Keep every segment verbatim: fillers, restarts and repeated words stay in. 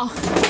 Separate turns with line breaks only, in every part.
야!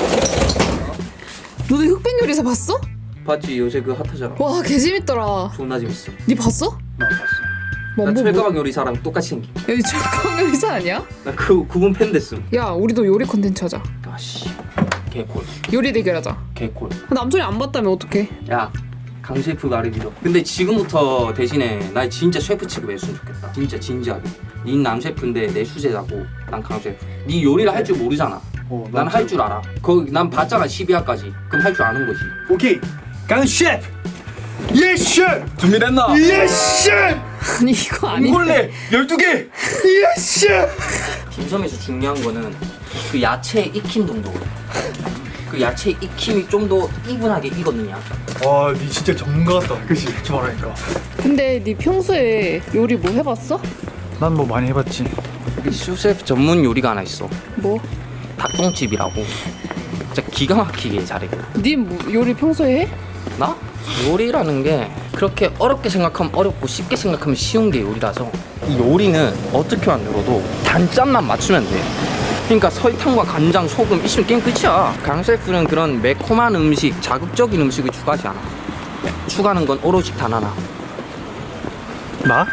너네 흑백 요리사 봤어?
봤지? 요새 그 핫하잖아.
와, 개재밌더라.
존나 재밌어.
니 봤어?
나 봤어.
뭐,
나
뭐,
철가방 요리사랑 똑같이 생긴.
여기 철강 요리사 아니야?
나 그 그분 팬 됐음.
야, 우리도 요리 컨텐츠 하자.
아씨. 개콜.
요리 대결하자.
개콜.
남편이 안 봤다면 어떡해?
야. 강 셰프 말을 믿어. 근데 지금부터 대신에 나 진짜 셰프 취급했으면 좋겠다. 진짜 진지하게. 닌 남 셰프인데 내 수제자고 난 강 셰프. 니 요리를 할 줄 모르잖아.
어,
난 할 줄 알아. 거기 난 봤잖아 십이 화까지. 그럼 할 줄 아는 거지.
오케이. 강 셰프. 예 셰프.
준비됐나?
예 셰프.
아니, 이거 아닌데.
콜레 열두 개. 예 셰프.
딤섬에서 중요한 거는 그 야채의 익힘 정도거든. 그 야채의 익힘이 좀 더 이분하게 익었느냐.
와, 니 진짜 전문가 같다. 그치? 저 말하니까.
근데 니 평소에 요리 뭐 해봤어?
난 뭐 많이 해봤지.
여기 슈셰프 전문 요리가 하나 있어.
뭐?
닭똥집이라고. 진짜 기가 막히게 잘해.
니 뭐, 요리 평소에 해?
나? 요리라는 게 그렇게 어렵게 생각하면 어렵고 쉽게 생각하면 쉬운 게 요리라서 이 요리는 어떻게 만들어도 단짠만 맞추면 돼. 그러니까 설탕과 간장, 소금 있으면 게임 끝이야. 강 셰프는 그런 매콤한 음식, 자극적인 음식을 추가하지 않아. 추가하는 건 오로지 단 하나.
나?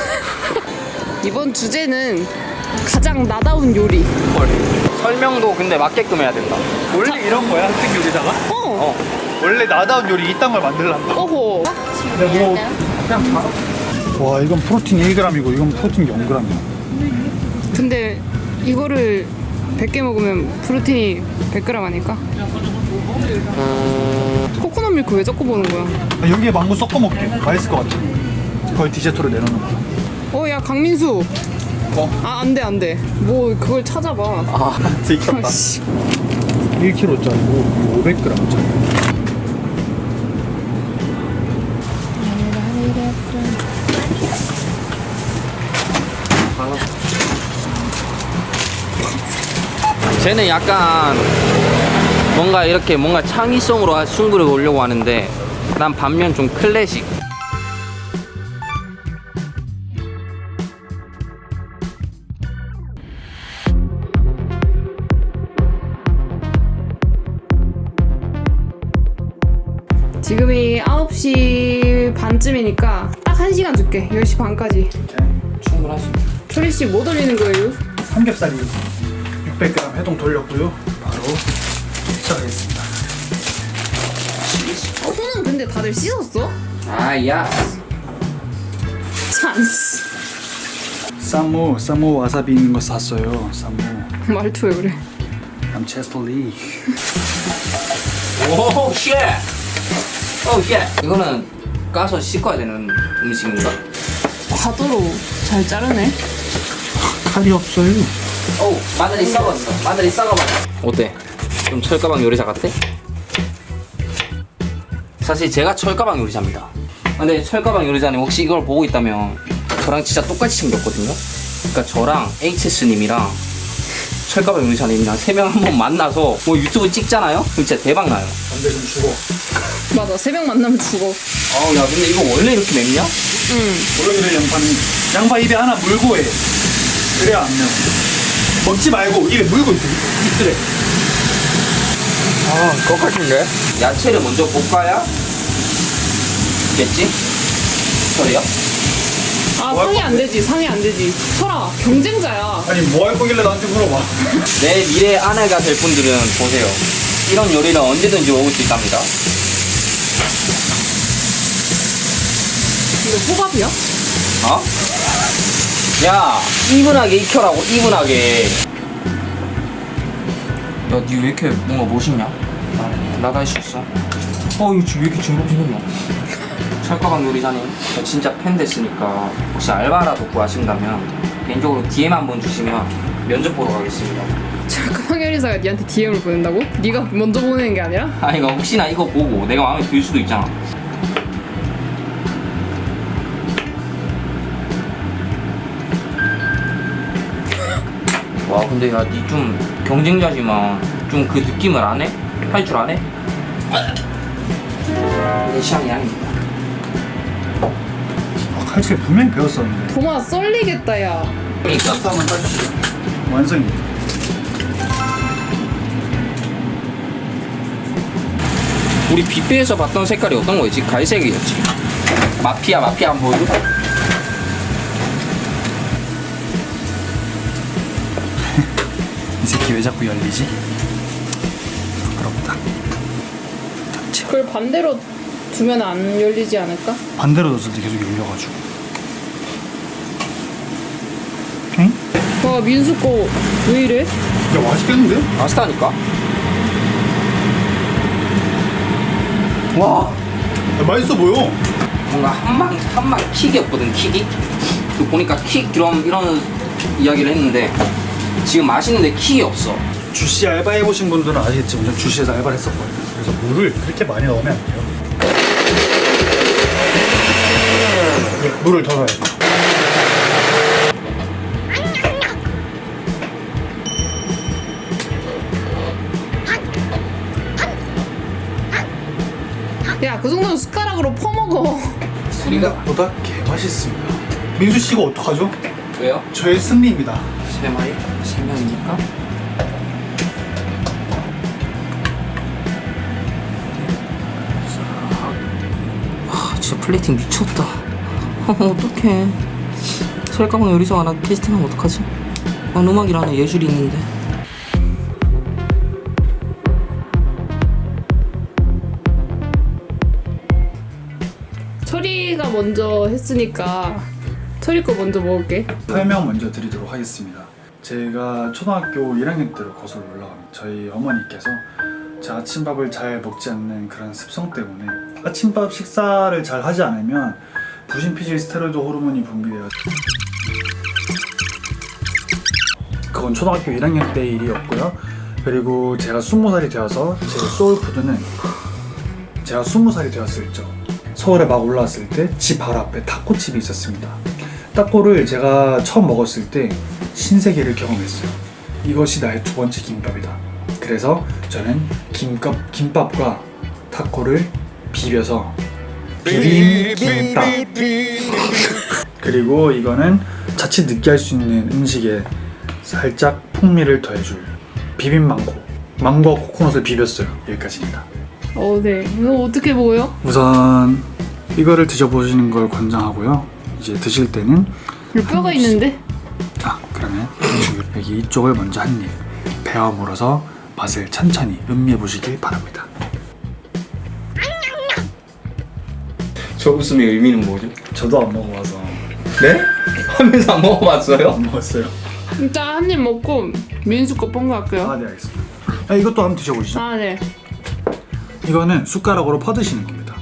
이번 주제는 가장 나다운 요리.
헐. 설명도 근데 맞게끔 해야 된다.
원래 이런 거야, 흑백 요리사가?
어.
어.
원래 나다운 요리 이딴 걸 만들란다.
어호.
그냥 바로.
와, 이건 프로틴 일 그램이고 이건 프로틴 영 그램이야.
근데 이거를 백 개 먹으면 프로틴이 백 그램 아닐까?
음...
코코넛 밀크 왜 자꾸 보는 거야?
나 여기에 망고 섞어 먹게. 맛있을 것 같아. 거의 디저트로 내놓는 거야.
어, 야, 강민수.
어?
아, 안 돼, 안 돼. 뭐 그걸 찾아봐.
아, 들켰다.
아씨.
일 킬로그램짜리고 오백 그램짜리.
쟤는 약간 뭔가 이렇게 뭔가 창의성으로 승부를 보려고 하는데 난 반면 좀 클래식.
지금이 아홉 시 반쯤이니까 딱 한 시간 줄게. 열 시 반까지.
충분하시.
초리씨 뭐 돌리는 거예요?
삼겹살이 육백 그램 해동 돌렸고요. 바로 시작하겠습니다.
손은 근데 다들 씻었어?
아, 야.
찬스.
쌈무, 쌈무 와사비 있는 거 샀어요. 쌈무.
말투 왜 그래?
I'm Chester Lee.
오, 쉣. 오, 쉣. 이거는 까서 씻어야 되는 음식인가?
과도로 잘 자르네.
칼이 없어요.
오, 마늘이 썩었어. 마늘이 썩어버려. 어때? 좀 철가방 요리사 같아? 사실 제가 철가방 요리사입니다. 근데 철가방 요리사님 혹시 이걸 보고 있다면 저랑 진짜 똑같이 생겼거든요. 그러니까 저랑 에이치에스님이랑 철가방 요리사님이랑 세 명 한번 만나서 뭐 유튜브 찍잖아요? 그럼 진짜 대박 나요.
안돼 좀 죽어.
맞아, 세 명 만나면 죽어.
아우, 야, 근데 이거 원래 이렇게 맵냐?
응.
원래 그래 양파는 양파 입에 하나 물고 해. 그래야 안 매워. 먹지 말고 입에 물고 있어. 입술에.
아, 똑같은데? 야채를 먼저 볶아야 겠지? 소리야?
아, 상이 안 되지, 상이 안 되지. 설아, 경쟁자야.
아니 뭐 할 거길래 나한테 물어봐.
내 미래 아내가 될 분들은 보세요. 이런 요리는 언제든지 먹을 수 있답니다.
이거 호밥이야?
어? 야, 이분하게 익혀라고, 이분하게. 야, 니 왜 이렇게 뭔가 멋있냐? 나도 할 수 있어. 어, 이거 지금 왜 이렇게 징글징글이야? 철가방 요리사님, 저 진짜 팬 됐으니까 혹시 알바라도 구하신다면 개인적으로 디엠 한번 주시면 면접 보러 가겠습니다.
철가방 요리사가 니한테 디엠을 보낸다고? 네가 먼저 보내는 게 아니라?
아니, 이거 혹시나 이거 보고 내가 마음에 들 수도 있잖아. 와, 근데 야, 니 좀 경쟁자지만 좀 그 느낌을 안 해? 할 줄 안 해? 내 취향이 아닙니다.
아, 칼질 분명히 배웠었는데.
도마 썰리겠다, 야.
그러니까
한번 따주시죠. 완성입니다.
우리 뷔페에서 봤던 색깔이 어떤 거였지? 갈색이었지. 마피아 마피아 한번 보여줘.
이 새끼 왜 자꾸 열리지? 부끄럽다.
그걸 반대로 두면 안 열리지 않을까?
반대로 뒀을 때 계속 열려가지고. 응?
와 민수 거 왜 이래?
야 맛있겠는데?
맛있다니까. 와,
야, 맛있어 보여.
뭔가 한방 한방 킥이 없거든. 킥이. 그 보니까 킥 이런 이런 이야기를 했는데 지금 맛있는데 킥이 없어.
주시 알바 해보신 분들은 아시겠지만 전 주시에서 알바를 했었거든요. 그래서 물을 그렇게 많이 넣으면 안 돼요. 물을 더 넣어야 돼요.
야 그 정도면 숟가락으로 퍼먹어.
우리가
보다 개 맛있습니다. 민수 씨가 어떡하죠?
왜요?
저의 승리입니다.
세 마리? 세 명이니까? 와, 진짜 플레이팅 미쳤다. 어, 어떡해. 설가방 요리사 하나 캐스팅하면 어떡하지? 난 음악이라는 예술이 있는데.
철이가 먼저 했으니까 철이 거 먼저 먹을게.
설명 먼저 드리도록 하겠습니다. 제가 초등학교 일 학년 때로 거슬러 올라갑니다. 저희 어머니께서 제 아침밥을 잘 먹지 않는 그런 습성 때문에 아침밥 식사를 잘 하지 않으면 부신피질 스테로이드 호르몬이 분비되어 그건 초등학교 일 학년 때 일이었고요. 그리고 제가 스무 살이 되어서 제 소울푸드는 제가 스무 살이 되었을 적 서울에 막 올라왔을 때 집 바로 앞에 타코집이 있었습니다. 타코를 제가 처음 먹었을 때 신세계를 경험했어요. 이것이 나의 두 번째 김밥이다. 그래서 저는 김밥, 김밥과 타코를 비벼서 비빔김밥 그리고 이거는 자칫 느끼할 수 있는 음식에 살짝 풍미를 더해줄 비빔망고 망고와 코코넛을 비볐어요. 여기까지입니다.
어, 네. 이거 어떻게 먹어요?
우선 이거를 드셔보시는 걸 권장하고요. 이제 드실 때는
여기 뼈가 있는데?
자 그러면 여기 이쪽을 먼저 한 입 베어 물어서 맛을 천천히 음미해 보시길 바랍니다.
저 웃음의 의미는 뭐죠?
저도 안 먹어봐서
네? 하면서 안 먹어봤어요?
안 먹었어요.
일단 한 입 먹고 민수 거 뻥갈게요.
아 네 알겠습니다. 아, 이것도 한번 드셔보시죠.
아, 네.
이거는 숟가락으로 퍼드시는 겁니다.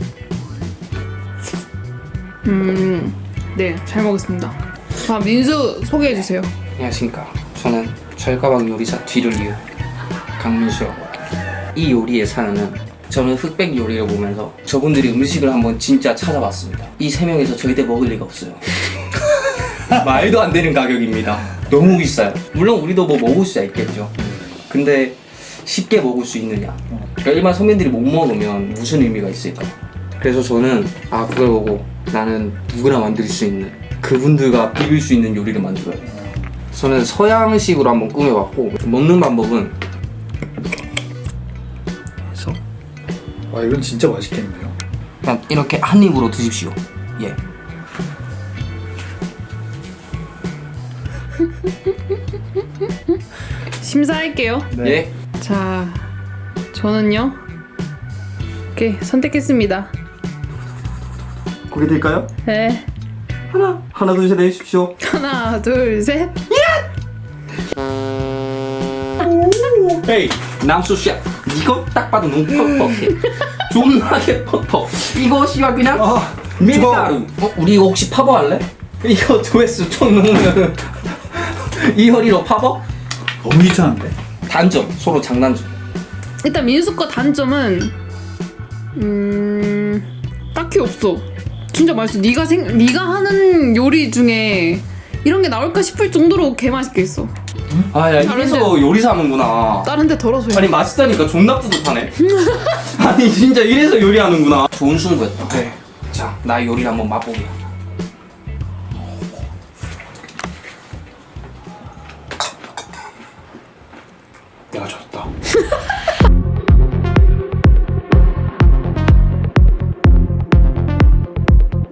음, 네, 잘 먹었습니다. 아, 민수 소개해 주세요.
안녕하십니까. 저는 철가방 요리사 뒤를 이은 강민수라고 합니다. 이 요리의 사연은 저는 흑백 요리를 보면서 저분들이 음식을 한번 진짜 찾아봤습니다. 이 세 명에서 절대 먹을 리가 없어요. 말도 안 되는 가격입니다. 너무 비싸요. 물론 우리도 뭐 먹을 수야 있겠죠. 근데 쉽게 먹을 수 있느냐. 그러니까 일반 서민들이 못 먹으면 무슨 의미가 있을까. 그래서 저는 아 그걸 보고 나는 누구나 만들 수 있는 그분들과 비빌 수 있는 요리를 만들어야 돼. 저는 서양식으로 한번 꾸며봤고 먹는 방법은
그래서 와 이건 진짜 맛있겠네요.
그냥 이렇게 한 입으로 드십시오. 예.
심사할게요.
네.
예.
자, 저는요. 오케이, 선택했습니다.
고개 들까요?
네.
하나 하나 둘 셋 내주십시오.
하나, 둘, 셋.
헤이 남수 씨, 이거 딱 봐도 너무 퍽퍽해. 존나게 퍽퍽. 이거 씨가 그냥
아
밀가루. 어, 우리 이거 혹시 파버 할래? 이거 조회수 총 넣으면 이 허리로 파버?
너무 귀찮은데?
단점 서로 장단점.
일단 민수 거 단점은 음 딱히 없어. 진짜 맛있어. 네가 생 네가 하는 요리 중에 이런 게 나올까 싶을 정도로 개 맛있게 했어.
아야 이래서
다른데-
요리사 하는구나.
다른 데 덜어서.
아니 맛있다니까 존나 뿌듯하네. 아니 진짜 이래서 요리하는구나. 좋은 승부였다.
네.
자, 나 요리 한번 맛보게.
내가 졌다.